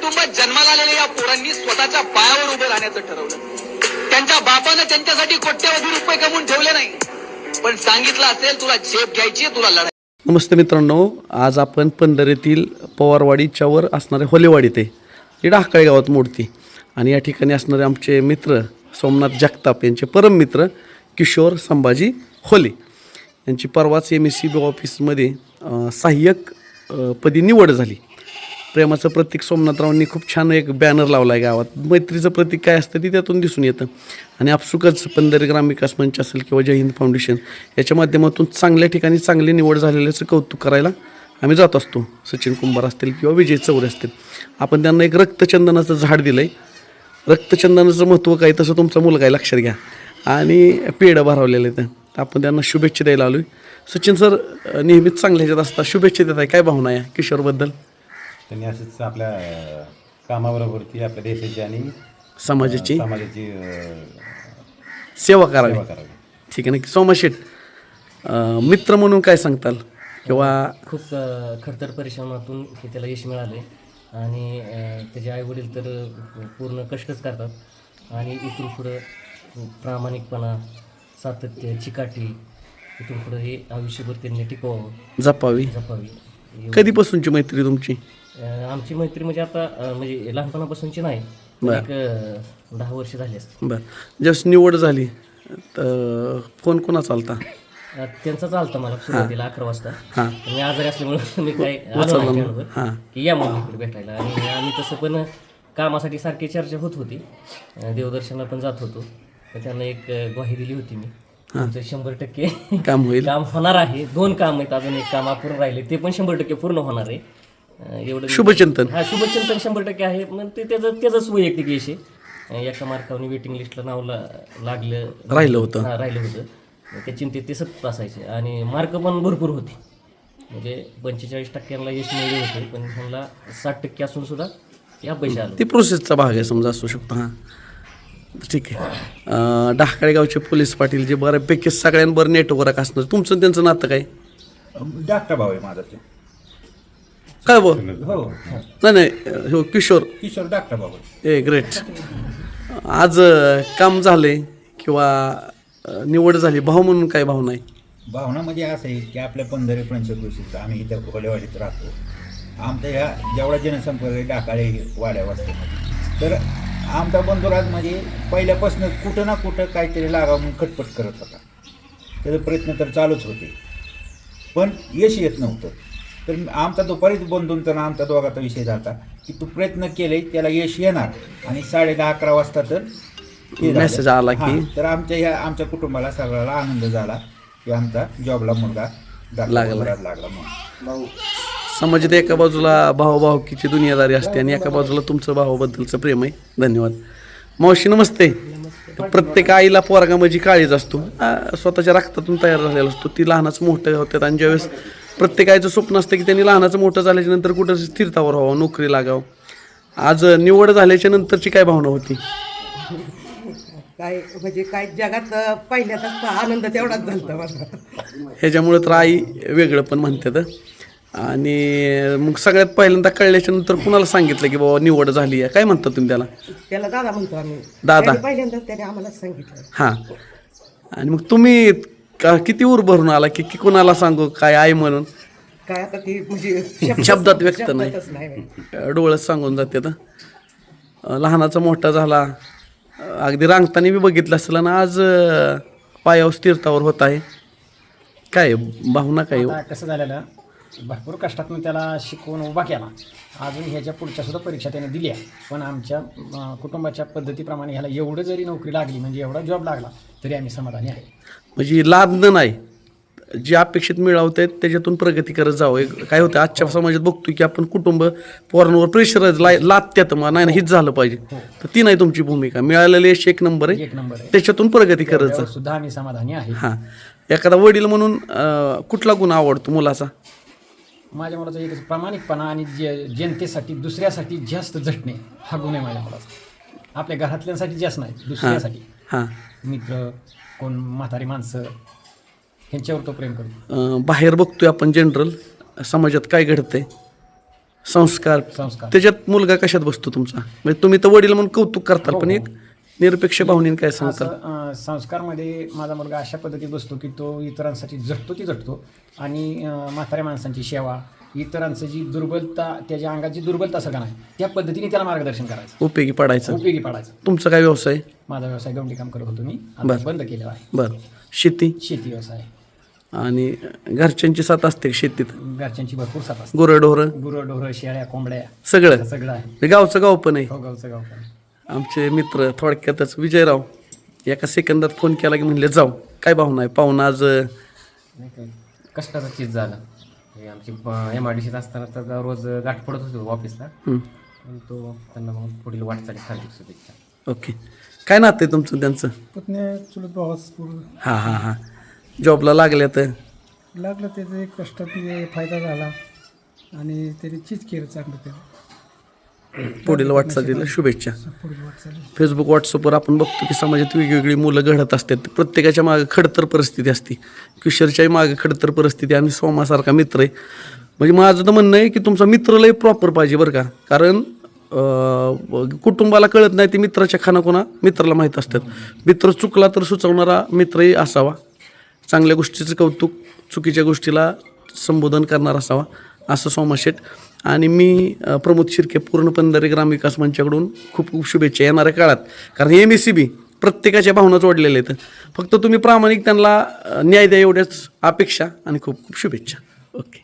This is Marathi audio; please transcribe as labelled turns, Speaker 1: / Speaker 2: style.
Speaker 1: कुटुंबात जन्माला आलेल्या या पोरांनी स्वतःच्या पायावर उभं राहण्याचं ठरवलं. त्यांच्या बापानं त्यांच्यासाठी कोट्यवधी रुपये कमवून ठेवले नाही, पण सांगितलं असेल तुला झेप घ्यायची, तुला लढाई.
Speaker 2: नमस्ते मित्रांनो, आज आपण पंढरीतील पवारवाडीच्या वर असणारे होलेवाडीत आहे. ही ढाकाळे गावात मूर्ती आणि या ठिकाणी असणारे आमचे मित्र सोमनाथ जगताप यांचे परम मित्र किशोर संभाजी होले यांची परवाच MECB ऑफिसमध्ये सहाय्यक पदी निवड झाली. प्रेमाचं प्रतीक सोमनाथरावांनी खूप छान एक बॅनर लावला आहे गावात. मैत्रीचं प्रतीक काय असतं ती त्यातून दिसून येतं आणि आपसुकच पंढरी ग्रामविकास मंच असेल किंवा जय हिंद फाउंडेशन याच्या माध्यमातून चांगल्या ठिकाणी चांगली निवड झालेल्याचं कौतुक करायला आम्ही जात असतो. सचिन कुंभार असतील किंवा विजय चौरे असतील. आपण त्यांना एक रक्तचंदनाचं झाड दिलं आहे. रक्तचंदनाचं महत्त्व काय तसं तुमचा मुलगा आहे, लक्षात घ्या. आणि पेढं भरवलेलं आहे तर आपण त्यांना शुभेच्छा द्यायला आलो आहे. सचिन सर नेहमीच चांगल्या ह्याच्यात असतात, शुभेच्छा देत आहे. काय भावना आहे किशोरबद्दल?
Speaker 3: त्यांनी असंच आपल्या कामाबरोबरती आपल्या देशाची आणि
Speaker 2: समाजाची
Speaker 3: सेवा
Speaker 2: करावी.
Speaker 3: करावी.
Speaker 2: ठीक आहे ना. सोमाशेठ मित्र म्हणून काय सांगताल? किंवा
Speaker 4: खूप खडतर परिश्रमातून हे त्याला यश मिळाले आणि त्याचे आईवडील तर पूर्ण कष्टच करतात आणि इथून पुढं प्रामाणिकपणा, सातत्य, चिकाटी इथून पुढं हे आयुष्यभर त्यांनी टिकवावं,
Speaker 2: जपावी. कधीपासूनची मैत्री तुमची?
Speaker 4: आमची मैत्री म्हणजे आता म्हणजे लहानपणापासूनची नाही, एक 10 वर्ष झाली असते.
Speaker 2: बरं, जस्ट निवड झाली तर फोन कोणाचा आलता?
Speaker 4: त्यांचा चालतं मला सुरुवातीला 11 वाजता.
Speaker 2: हां
Speaker 4: मी आजारी असल्यामुळे मी काही आलो नाही त्याबरोबर की या मुलीकडे भेटायला. आणि आम्ही तसं पण कामासाठी सारखी चर्चा होत होती, देवदर्शनाला पण जात होतो. तर त्यांना एक ग्वाही दिली होती मी, तुमचं 100%
Speaker 2: काम होईल,
Speaker 4: काम होणार आहे. 2 काम आहेत, अजून एक काम अपूर्ण राहिले, ते पण 100% पूर्ण होणार आहे. एवढं
Speaker 2: शुभचिंतन.
Speaker 4: हा, शुभचिंतन 100% आहे. मग ते त्याचंच वैयक्तिक यश आहे. एका मार्कावरून वेटिंग लिस्टला नाव
Speaker 2: राहिलं होतं.
Speaker 4: राहिलं होतं. त्या चिंतेत ते सतत असायचे आणि मार्क पण भरपूर होते. म्हणजे 45% यश मिळले होते, पण ह्यांना 60% असून सुद्धा या पैसे आलो.
Speaker 2: ती प्रोसेसचा भाग आहे समजा, असू शकतो. हां ठीक आहे. ढाकाळे गावचे पोलीस पाटील जे बऱ्यापैकी सगळ्यांबर नेटवर्क असणार, तुमचं त्यांचं नातं काय?
Speaker 5: धाकटा भाऊ आहे माझा ते.
Speaker 2: काय बो?
Speaker 5: हो,
Speaker 2: नाही हो, किशोर
Speaker 5: धाकटा भाऊ आहे.
Speaker 2: ए ग्रेट. आज काम झाले किंवा निवड झाली, भाऊ म्हणून काय भावना आहे?
Speaker 5: भावना म्हणजे असं आहे की आपल्या पंधरी पंचकृषीचं आम्ही इथं होलेवाडीत राहतो. आमच्या ह्या जेवढा जनसंपर्क ढाकाळे वाड्या वस्तीमध्ये, तर आमचा बंधुराज म्हणजे पहिल्यापासून कुठं ना कुठं काहीतरी लागावं म्हणून खटपट करत होता. त्याचे प्रयत्न तर चालूच होते, पण यश येत नव्हतं. तर आमचा तो बरीच बंधूंचा आणि आमचा दोघाचा विषय झाला की तू प्रयत्न केले, त्याला यश येणार. आणि 10:30-11 वाजता तर
Speaker 2: मेसेज आला की
Speaker 5: तर आमच्या कुटुंबाला सगळ्याला आनंद झाला की आमचा जॉबला मुलगा लागला म्हणून.
Speaker 2: समाजात एका बाजूला भाऊभाऊकीची दुनियादारी असते आणि एका बाजूला तुमचं भावाबद्दलचं प्रेम आहे. धन्यवाद. मावशी नमस्ते. प्रत्येक आईला पोरगा म्हणजे काळीज असतो, स्वतःच्या रक्तातून तयार झालेला असतो. ती लहानाचं मोठं होतात आणि ज्यावेळेस प्रत्येक आईचं स्वप्न असतं की त्यांनी लहानाचं मोठं झाल्याच्या नंतर कुठं स्थिरतावर व्हावं, नोकरी लागावं. आज निवड झाल्याच्या नंतरची काय भावना होती?
Speaker 6: काय म्हणजे काय जगात पहिल्याचा आनंद तेवढाच झाला मला.
Speaker 2: ह्याच्यामुळे तर आई वेगळं पण म्हणतात. आणि मग सगळ्यात पहिल्यांदा कळल्याच्या नंतर कुणाला सांगितलं की बाबा निवड झाली आहे? काय म्हणता तुम्ही त्याला?
Speaker 6: त्याला दादा म्हणतो आम्ही.
Speaker 2: दादा
Speaker 6: पहिल्यांदाच त्याने आम्हाला सांगितलं.
Speaker 2: हां. आणि मग तुम्ही किती उर भरून आला की कुणाला सांगू काय आई म्हणून?
Speaker 6: काय आता ती म्हणजे
Speaker 2: शब्दात व्यक्त नाही, डोळ्यात सांगून जाते. तर लहानाचा मोठा झाला, अगदी रांगताना बी बघितलं असेल ना, आज पायावर स्थिरतावर होत आहे. काय भावना काय?
Speaker 7: कसं झालेलं, भरपूर कष्टातून त्याला शिकवून उभा केला. अजून ह्याच्या पुढच्या सुद्धा परीक्षा त्याने दिल्या, पण आमच्या कुटुंबाच्या पद्धतीप्रमाणे ह्याला एवढं जरी नोकरी लागली, म्हणजे एवढा जॉब लागला, तरी आम्ही समाधानी आहे. म्हणजे
Speaker 2: लादणं नाही, जे अपेक्षित मिळवत आहेत त्याच्यातून प्रगती करत जावं. काय होतं आजच्या समाजात बघतोय की आपण कुटुंब पोरांवर प्रेशर लादत्यात, मग नाही हीच झालं पाहिजे. तर ती नाही तुमची भूमिका. मिळालेले यश एक नंबर आहे, त्याच्यातून प्रगती करत जा.
Speaker 7: सुद्धा आम्ही समाधानी आहे.
Speaker 2: हां. एखादा वडील म्हणून कुठला गुण आवडतो मुलाचा?
Speaker 7: माझ्या मुलाचा एकच प्रामाणिकपणा आणि जनतेसाठी दुसऱ्यासाठी जास्त झटणे हा गुण आहे माझ्या मुलाचा. आपल्या घरातल्यांसाठी जास्त नाही, दुसऱ्यासाठी.
Speaker 2: हां.
Speaker 7: मित्र, कोण म्हातारी माणसं, ह्यांच्यावर तो प्रेम करतो.
Speaker 2: बाहेर बघतोय आपण जनरल समाजात काय घडतंय? संस्कार
Speaker 7: संस्कार.
Speaker 2: त्याच्यात मुलगा कशात बसतो तुमचा? म्हणजे तुम्ही तर वडील म्हणून कौतुक करताल, पण एक निरपेक्ष भावनेने काय सांगताल?
Speaker 7: असं संस्कारमध्ये माझा मुलगा अशा पद्धतीत बसतो की तो इतरांसाठी झटतो ती झटतो आणि म्हाताऱ्या माणसांची सेवा, इतरांचं जी दुर्बलता, त्याच्या अंगाची दुर्बलता सगळं नाही त्या पद्धतीने त्याला मार्गदर्शन करायचं,
Speaker 2: उपयोगी पडायचं.
Speaker 7: उपयोगी पाडायचं.
Speaker 2: तुमचा काय व्यवसाय?
Speaker 7: माझा व्यवसाय गवंडी काम करत होतो मी, आता
Speaker 2: बरं.
Speaker 7: बंद केलेला आहे.
Speaker 2: बरं. शेती
Speaker 7: शेती व्यवसाय,
Speaker 2: आणि घरच्यांची साथ असते का शेतीत?
Speaker 7: घरच्यांची भरपूर साथ असते.
Speaker 2: गुरंढोरं
Speaker 7: गुरं शेळ्या कोंबड्या
Speaker 2: सगळं
Speaker 7: सगळं आहे.
Speaker 2: हे गावचं गाव पण आहे.
Speaker 7: हो, गावचं गाव पण.
Speaker 2: आमचे मित्र थोडक्यातच विजयराव एका सेकंदात फोन केला की म्हणले जाऊ. काय भावना आहे? पाहुणा आज
Speaker 8: नाही काय कष्टाचं चीज झालं. हे आमची MIDCत असताना तर रोज गाठ पडत होतो ऑफिसला, पण तो त्यांना मग पुढील वाटचाली हार्दिक शुभेच्छा.
Speaker 2: ओके. काय नातं आहे तुमचं त्यांचं?
Speaker 9: पुतण्या चुलत भावाच पूर्ण
Speaker 2: हां हां हां. जॉबला लागल्या तर
Speaker 9: लागलं, त्याचा एक कष्टात फायदा झाला आणि त्याने चीज केलं चांगलं. त्याला
Speaker 2: पुढील वाटचालीला शुभेच्छा.
Speaker 9: पुढील वाटचाली.
Speaker 2: फेसबुक व्हॉट्सअपवर आपण बघतो की समाजात वेगवेगळी मुलं घडत असतात. प्रत्येकाच्या मागे खडतर परिस्थिती असते. किशोरच्याही मागे खडतर परिस्थिती आणि सोमासारखा मित्र आहे. म्हणजे माझं तर म्हणणं आहे की तुमचा मित्र लय प्रॉपर पाहिजे बरं का. कारण कुटुंबाला कळत नाही ते मित्राच्या खानाखुणा मित्राला माहीत असतात. मित्र चुकला तर सुचवणारा मित्रही असावा. चांगल्या गोष्टीचं कौतुक, चुकीच्या गोष्टीला संबोधन करणारा असावा, असं सोमा शेठ. आणि मी प्रमोद शिर्के पूर्ण पंधरी ग्रामविकास मंचाकडून खूप खूप शुभेच्छा येणाऱ्या काळात. कारण MSCB प्रत्येकाच्या भावना जोडलेल्या आहेत. फक्त तुम्ही प्रामाणिक त्यांना न्याय द्या एवढ्याच अपेक्षा आणि खूप खूप शुभेच्छा. ओके.